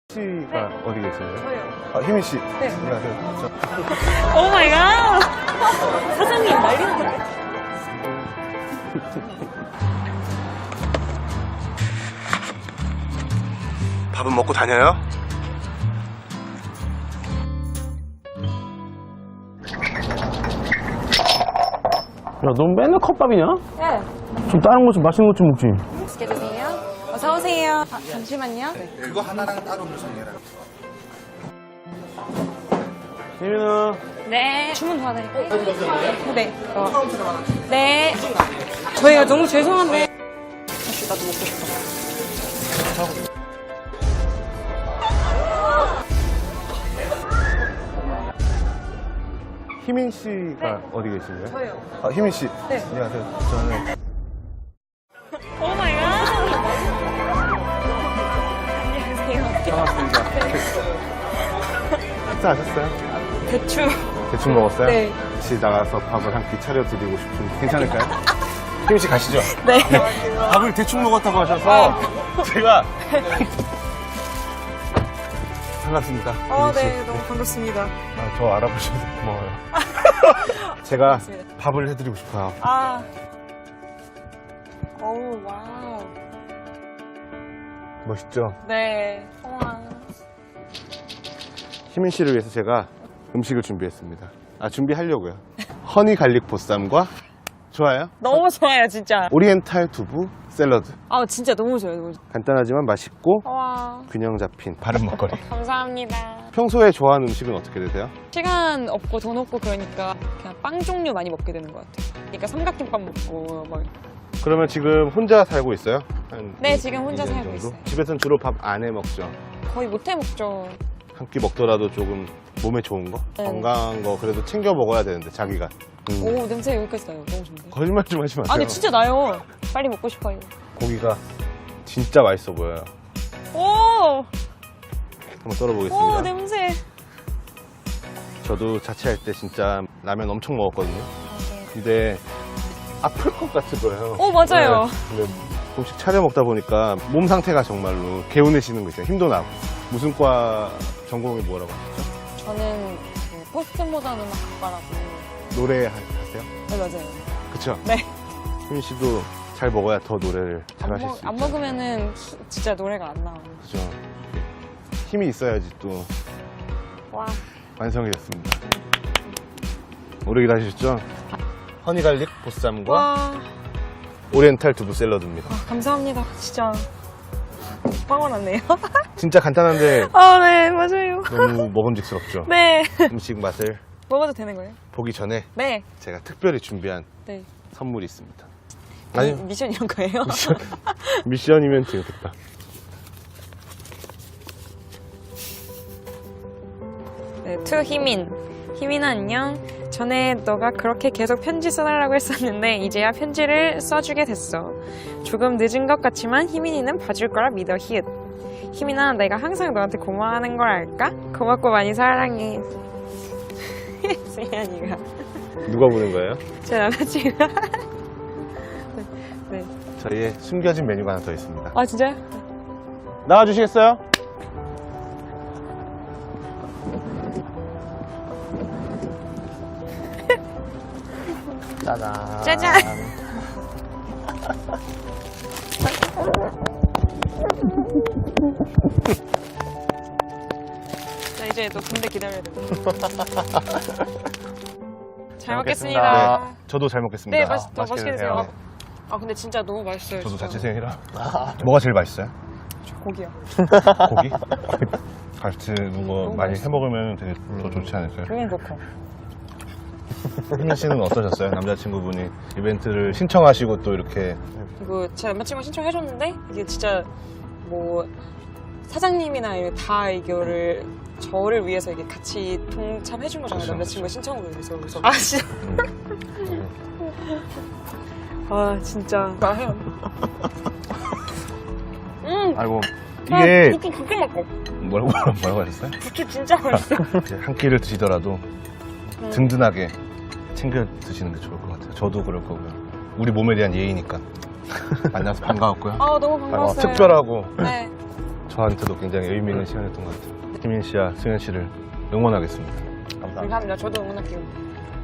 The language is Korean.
씨가 어디 계신가요? 저요. 아, 희민 씨. 네. 안녕하세요. 오 마이 갓! 사장님 난리 났네. 밥은 먹고 다녀요? 야, 넌 맨날 컵밥이냐? 네. 좀 다른 거 좀 맛있는 거 좀 먹지. 맛있게 드세요. 어서 오세요. 아, 잠시만요. 네. 그거 하나랑 따로 물성해라. 희민아. 네. 주문 도와드릴까요? 네. 네. 저희가 너무 죄송한데. 사실 나도 먹고 싶어. 희민 씨가 어디 계신가요? 저요. 아, 희민 씨. 네. 안녕하세요. 저는 오 마이 갓! 안녕하세요. 반갑습니다. 식사하셨어요? 대충. 대충 먹었어요? 네. 같이 나가서 밥을 한 끼 차려드리고 싶은데 괜찮을까요? 희민 씨 가시죠. 네. 밥을 대충 먹었다고 하셔서 제가 반갑습니다. 희민 씨. 네. 너무 반갑습니다. 아, 저 알아보셔서 고마워요. 제가 고맙습니다. 밥을 해드리고 싶어요. 아. 오, 와우. 멋있죠? 네. 우와. 희민 씨를 위해서 제가 음식을 준비했습니다. 아, 준비하려고요. 허니 갈릭 보쌈과 좋아요? 너무 좋아요, 진짜. 오리엔탈 두부 샐러드. 아, 진짜 너무 좋아요, 너무 좋아요. 간단하지만 맛있고 와. 균형 잡힌 바른 먹거리. 감사합니다. 평소에 좋아하는 음식은 어떻게 되세요? 시간 없고 돈 없고 그러니까 그냥 빵 종류 많이 먹게 되는 것 같아요. 그러니까 삼각김밥 먹고 막. 그러면 지금 혼자 살고 있어요? 네, 지금 혼자 2년 살고 있어요. 집에서는 주로 밥 안 해 먹죠? 거의 못해 먹죠. 한 끼 먹더라도 조금 몸에 좋은 거? 네. 건강한 거 그래도 챙겨 먹어야 되는데 자기가. 오, 냄새 여기까지 나요. 너무 좋은데. 거짓말 좀 하지 마세요. 아니, 진짜 나요. 빨리 먹고 싶어요. 고기가 진짜 맛있어 보여요. 오! 한번 썰어보겠습니다. 오, 냄새. 저도 자취할 때 진짜 라면 엄청 먹었거든요. 근데 아플 것 같은 거예요. 오, 맞아요. 네. 근데 음식 차려 먹다 보니까 몸 상태가 정말로 개운해지는 거 있어요. 힘도 나고. 무슨 과 전공이 뭐라고 하셨죠? 저는 그 포스트 모던 음악학과라고. 노래 하세요? 네, 맞아요. 그쵸? 네. 희민 씨도 잘 먹어야 더 노래를 잘 하실 수 있죠. 안 먹으면은 진짜 노래가 안 나와요. 그죠? 힘이 있어야지 또 와. 완성이 됐습니다. 오래 기다리셨죠? 허니 갈릭 보쌈과 와. 오리엔탈 두부 샐러드입니다. 감사합니다. 진짜. 빵원 왔네요. 진짜 간단한데 아, 네, 맞아요. 너무 먹음직스럽죠? 네. 음식 맛을 먹어도 되는 거예요? 보기 전에 네. 제가 특별히 준비한 네. 선물이 있습니다. 아니, 아니, 미션 이런 거예요? 미션이면 되겠다. 네, 투 희민. 희민아 안녕. 전에 너가 그렇게 계속 편지 써달라고 했었는데 이제야 편지를 써주게 됐어. 조금 늦은 것 같지만 희민이는 봐줄 거라 믿어 히읗. 희민아 내가 항상 너한테 고마워하는 걸 알까? 고맙고 많이 사랑해. 수현이가 누가 보는 거예요? 제 남자친구. 네. 저희의 숨겨진 메뉴가 하나 더 있습니다. 아 진짜요? 나와주시겠어요? 짜잔. 짜잔. 자 이제 또 군대 기다려야 돼. 잘 먹겠습니다. 네, 저도 잘 먹겠습니다. 네, 맛있게 드세요. 아 근데 진짜 너무 맛있어요. 저도 진짜. 자취생이라. 뭐가 제일 맛있어요? 고기요. 고기? 같이 거 많이 맛있어. 해 먹으면 되게 더 좋지 않을까요? 그게 좋고. 희민 씨는 어떠셨어요? 남자친구분이 이벤트를 신청하시고 또 이렇게 이거 제 남자친구가 신청해줬는데 이게 진짜 뭐 사장님이나 이렇게 다 이거를 저를 위해서 이게 같이 동참해준 거잖아요. 그렇죠, 남자친구가 신청으로 그래서 아 진짜. 아 진짜. 나해요. 아이고 이게 부추 그렇게 먹고. 뭐라고 하셨어요? 부추 진짜 맛있어. 이제 한 끼를 드시더라도 든든하게 챙겨 드시는 게 좋을 것 같아요. 저도 그럴 거고요. 우리 몸에 대한 예의니까. 만나서 반가웠고요. 아 너무 반가웠어요. 특별하고 네. 저한테도 굉장히 의미 있는 시간이었던 것 같아요. 희민 씨와 승현 씨를 응원하겠습니다. 감사합니다. 감사합니다. 저도 응원할게요.